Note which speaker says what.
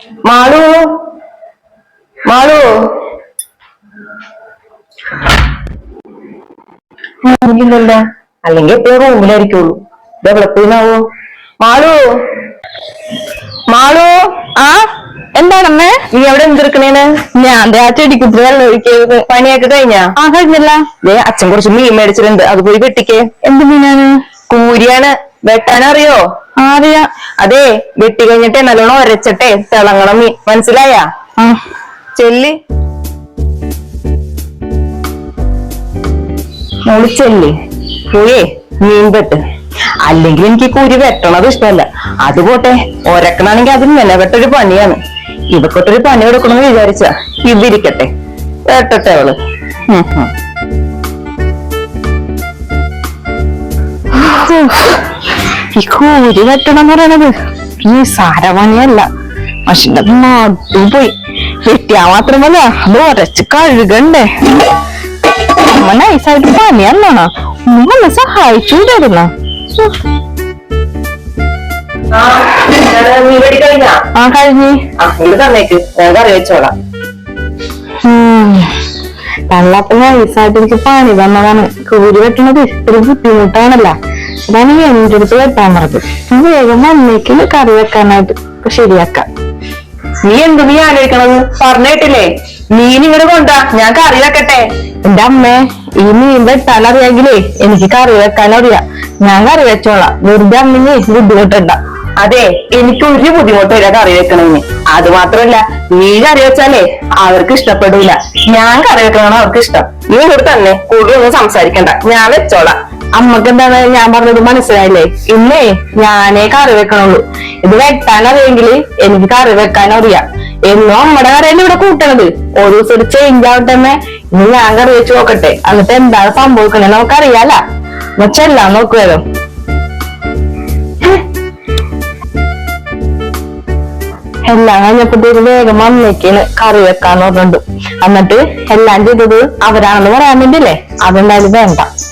Speaker 1: മാളു മാളു ഇല്ലല്ല, അല്ലെങ്കിൽ എപ്പോഴും റൂമിലായിരിക്കുള്ളൂ. ഇതെവിടെപ്പോയിന്നാവോ? മാളു മാളു.
Speaker 2: ആ എന്താണമ്മേ?
Speaker 1: നീ എവിടെ എന്തെടുക്കണേന്?
Speaker 2: ഞാൻ ആ ചെടിക്കുത്തി വെള്ളം ഒഴിക്കരുത്.
Speaker 1: പണിയൊക്കെ കഴിഞ്ഞാ?
Speaker 2: ആ കഴിഞ്ഞല്ല.
Speaker 1: അച്ഛൻ കുറച്ച് മീൻ മേടിച്ചിട്ടുണ്ട്, അത് പോയി വെട്ടിക്കേ.
Speaker 2: എന്ത് മീനാണ്?
Speaker 1: കൂരിയാണ്. വെട്ടാനറിയോ?
Speaker 2: അറിയാ.
Speaker 1: അതെ, വെട്ടി കഴിഞ്ഞിട്ടേ നല്ലോണം ഒരച്ചട്ടെ തിളങ്ങണം മീൻ, മനസ്സിലായാ? ചെല്ലി ചെല്ലി പോയേ മീൻ വെട്ട്. അല്ലെങ്കിൽ എനിക്ക് കൂരി വെട്ടണത് ഇഷ്ടമല്ല. അത് പോട്ടെ, ഒരക്കണാണെങ്കിൽ അതിന് മെനവെട്ടൊരു പണിയാണ്. ഇവക്കൊട്ടൊരു പണി കൊടുക്കണമെന്ന് വിചാരിച്ച ഇതിരിക്കട്ടെ, വെട്ടട്ടെ അവള്.
Speaker 2: ഈ കൂരി വെട്ടണം എന്ന് പറയണത് ഈ സാരപണിയല്ല. മഷിന്റെ നാട്ടു പോയി വെട്ടിയാ മാത്രമല്ല അത് ഉരച്ച് കഴുകണ്ടേ. അമ്മ നൈസായിട്ട് പണിയല്ലോണ, ഒന്ന് സഹായിച്ചൂടായിരുന്ന. ആ കഴിഞ്ഞ്
Speaker 1: തന്നേക്ക്, ഞാൻ കറി വെച്ചോളാം.
Speaker 2: തള്ളപ്പ നൈസായിട്ട് എനിക്ക് പണി തന്നതാണ്. കൂരി വെട്ടണത് ഒരു ബുദ്ധിമുട്ടാണല്ല, അതാണ് എന്റെ അടുത്ത് വെട്ടാൻ പറഞ്ഞത്. വേഗം വന്നേക്കിന് കറി വെക്കാനായിട്ട് ശരിയാക്കാം.
Speaker 1: നീ എന്ത് നീ ആലോചിക്കണത്? പറഞ്ഞിട്ടില്ലേ മീൻ ഇങ്ങോട്ട് കൊണ്ടാ, ഞാൻ കറി വെക്കട്ടെ.
Speaker 2: എന്റെ അമ്മേ, ഈ മീൻ വെട്ടാൻ അറിയാമെങ്കിലേ എനിക്ക് കറി വെക്കാൻ അറിയാം. ഞാൻ കറി വെച്ചോളാം, വെറുതെ അമ്മിന് ബുദ്ധിമുട്ടുണ്ട.
Speaker 1: അതെ, എനിക്ക് ഒരു ബുദ്ധിമുട്ടില്ല കറി വെക്കണമെന്ന്. അത് മാത്രല്ല, നീ കറി വെച്ചാലേ അവർക്ക് ഇഷ്ടപ്പെടൂല. ഞാൻ കറി വെക്കണമെന്ന് അവർക്ക് ഇഷ്ടം. നീ ഇവിടെ തന്നെ കൂടുതലൊന്നും സംസാരിക്കണ്ട, ഞാൻ വെച്ചോളാം.
Speaker 2: അമ്മക്ക് എന്താണ് ഞാൻ പറഞ്ഞത് മനസ്സിലായില്ലേ? ഇന്നേ ഞാനേ കറി വെക്കണുള്ളൂ. ഇത് വെട്ടാൻ അറിയെങ്കിൽ എനിക്ക് കറി വെക്കാൻ അറിയാം. എന്നും അമ്മയുടെ കറിയല്ലേ ഇവിടെ കൂട്ടണത്. ഒരു ദിവസം ഒരു ചേഞ്ച് ആവട്ടെ. ഇനി ഞാൻ കറി വെച്ച് നോക്കട്ടെ, എന്നിട്ട് എന്താണ് സംഭവിക്കണേ നമുക്കറിയാല. ചെല്ലാം നോക്കുവല്ലോ. എല്ലാം കഴിഞ്ഞപ്പോഴത്തേക്ക് വേഗം വന്നേക്കാണ് കറി വെക്കാന്ന് പറഞ്ഞിട്ടുണ്ട്. എന്നിട്ട് എല്ലാം ചെയ്തത് അവരാണെന്ന് പറയാൻ വേണ്ടിയില്ലേ, അതെന്തായാലും വേണ്ട.